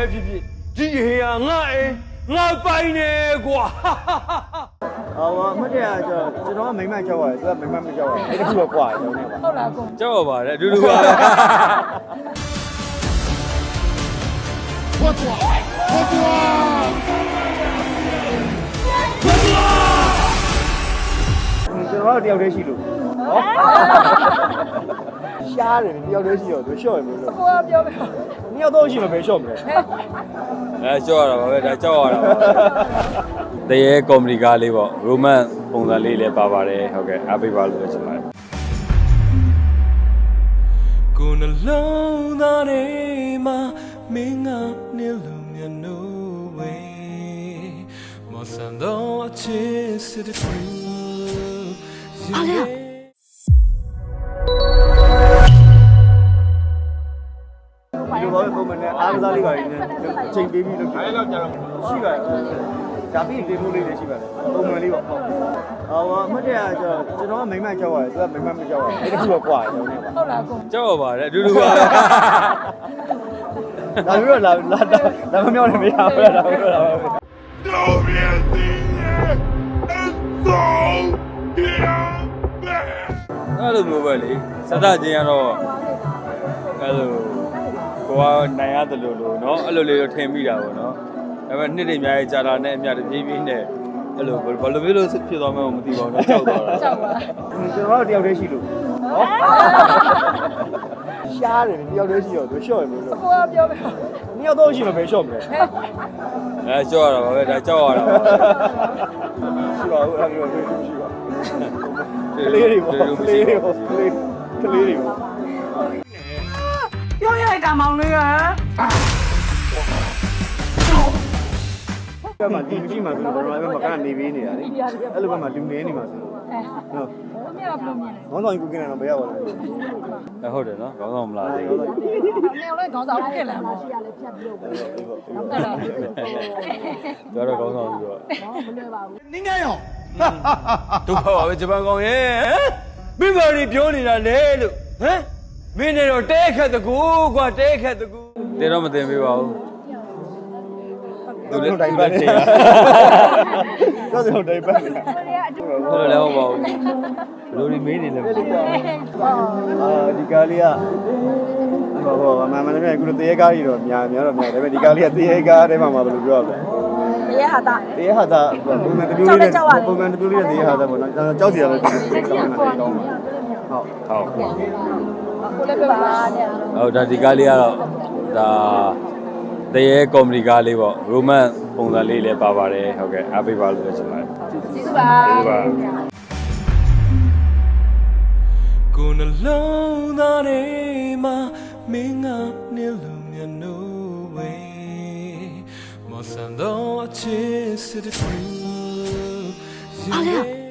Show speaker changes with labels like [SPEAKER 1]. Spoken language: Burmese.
[SPEAKER 1] ပဲဖြစ်ဖြစ်ဒီဟေးငါအေးငါပိုင်နေကွာ
[SPEAKER 2] အမတ်တရားကျွန်တော်ကမိမကြောက်ရတယ်သူကမိမမကြောက်ဘူးအဲ့ဒါကတော့ကွာကျွန်တော်
[SPEAKER 3] ဟုတ်လားကို
[SPEAKER 1] ကြောက်ပါတယ်အတူတူပါ
[SPEAKER 2] ဟုတ်ကွာဟုတ်ကွာကျွန်တော်တို့တယောက်တည်းရှိလို့ရှားတယ်တယောက်တည်းရှိတော့သူရှော့ရမလို့
[SPEAKER 3] ကိုကပြောမယ်
[SPEAKER 2] နှစ်ယောက်တော့ရှိမှပဲရှော့မလဲ
[SPEAKER 1] ကြောက်ရတာပါပဲဒါကြောက်ရတာပါတရေကောမဒီကားလေးပေါ့ရိုမန်ပုံစံလေးလည်းပါပါတယ်ဟုတ်ကဲ့အားပေးပါလို့ပြောချင်ပါတယ်ကိုယ်နှလုံးသားထဲမှာမင်းကနေလို့မြတ်နိုးဝေးမဆန်တော့အချစ်စစ်တူ
[SPEAKER 3] အားလေ
[SPEAKER 2] ဒီဘောပုံမှန်နဲ့အားကစားလေးပါနေချိန်ပေးပြီးလို့အဲ့တော့ကြာတော့ရှိပါတယ်ဒါပြီးဒီလိုလေးလည်းရှိပါတယ်ပုံမှန်လေးပေါ့အမတ်တရားကျွန်တော်ကမိမကြောက်ရတယ်သူကမိမမကြောက်ဘူးအဲ့ဒါကတော့ကွာကျွန်တော်
[SPEAKER 3] ဟုတ်လားကို
[SPEAKER 1] ကြောက်ပါတယ်အတူတူပါပဲ
[SPEAKER 2] ဒါပြီးတော့လာမမြောက်လည်းမရဘူးလားဒါပြီးတော့လာပါပဲ
[SPEAKER 1] တော့ပြည့်စည်ရဲ့အဲ့လိုမျိုးပဲလေစသချင်းကတော့အဲ့လိုကိုကနိုင်ရတယ်လို့เนาะအဲ့လိုလေးတော့ထင်မိတာပေါ့เนาะဒါပေမဲ့နှစ်တွေအများကြီးကြာလာနဲ့အများတပြေးပြေးနဲ့အဲ့လိုဘယ်လိုမျိုးလို့ဖြစ်သွားမှမသိပါဘူးเนาะကြောက်သွားတာ
[SPEAKER 3] ကြောက်ပါ
[SPEAKER 2] ကျွန်တော်တို့တယောက်တည်းရှိလို့ရှားတယ်တယောက်တည်းရှိတော့သူရှော့ရမလို့
[SPEAKER 3] ကိုကပြောမယ်
[SPEAKER 2] နှစ်ယောက်တော့ရှိမှပဲရှော့မလဲ
[SPEAKER 1] ကြောက်ရတာပါပဲဒါကြောက်ရတာပါ
[SPEAKER 2] ရှိပါဘူးအဲ့လိုမျိုးရှိပါကလေးတွေပေါ့ကလေးတွေပေါ့ကလေးတွေပေါ့
[SPEAKER 3] ပြောရတဲ့ကောင်မောင်လေးက
[SPEAKER 2] ကမှဒီမရှိမှဆိုတော့ကျွန်တော်လည်းမကနေပေးနေတာလေအဲ့လိုပဲမှလူနေနေမှာဆိုတော့
[SPEAKER 3] ဟုတ်မြတ်ကဘယ်လိုမြင်လဲ
[SPEAKER 2] ခေါင်းဆောင်ကိုကင်းနေတော့ဘယ်ရောက်လဲ
[SPEAKER 1] ဟုတ်တယ်နော်ခေါင်းဆောင်မလားလေ
[SPEAKER 3] နေအောင်လဲခေါင်းဆောင်ဖြစ်လာမှာရှိရလဲဖြတ်ပြီးတော့ဟုတ်တယ်လား
[SPEAKER 1] ကျွန်တော်ခေါင်းဆောင်ပြီးတော့
[SPEAKER 3] မလွယ်ပါဘူး
[SPEAKER 2] နင်းနေရော
[SPEAKER 1] ဒုက္ခပါပဲဂျပန်ကောင်ရဲ့မိဘတွေပြောနေတာလေလို့ဟမ်မင်းနေတော့တဲခက်တကူကွာတဲခက်တကူတဲတော့မတင်ပေးပါဘူး
[SPEAKER 2] သူလည်းတိုင်ပတ်နေတော့ကျွန်တော်တိုင်ပတ်နေ
[SPEAKER 1] ဘယ်လိုလဲဟုတ်ပါဘူးဘယ်လိုဒီမေးနေလဲ
[SPEAKER 2] ဒီကားလေးကဟောမလည်းအခုတရေကားကြီးတော့များတော့များဒါပေမဲ့ဒီကားလေးကတရေကားထဲမှာဘယ်လိုပြောရလဲ
[SPEAKER 3] တရားဟာတာ
[SPEAKER 2] တရားဟာတာပုံမှန်တပြိုးလေးနဲ့ပုံမှန်တပြိုးလေးနဲ့တရားဟာတာပေါ့နော်ကြောက်စီရလဲဟုတ်
[SPEAKER 3] ကိုလည်းပြပါနဲ့
[SPEAKER 1] ဟုတ်ဒါဒီကားလေးကတော့ဒါတရေကောမဒီကားလေးပေါ့ရိုမန်ပုံစံလေးလည်းပါပါတယ်ဟုတ်ကဲ့အားပေးပါလို့ပြောချင်ပါတယ်
[SPEAKER 3] ကျေးဇူးပါကျေးဇူးပါ
[SPEAKER 1] ကိုယ်နှလုံးသားထဲမှာမင်းကနေလို့မြတ်နိုးဝေးမဆန်တော့အချစ်စစ်တူ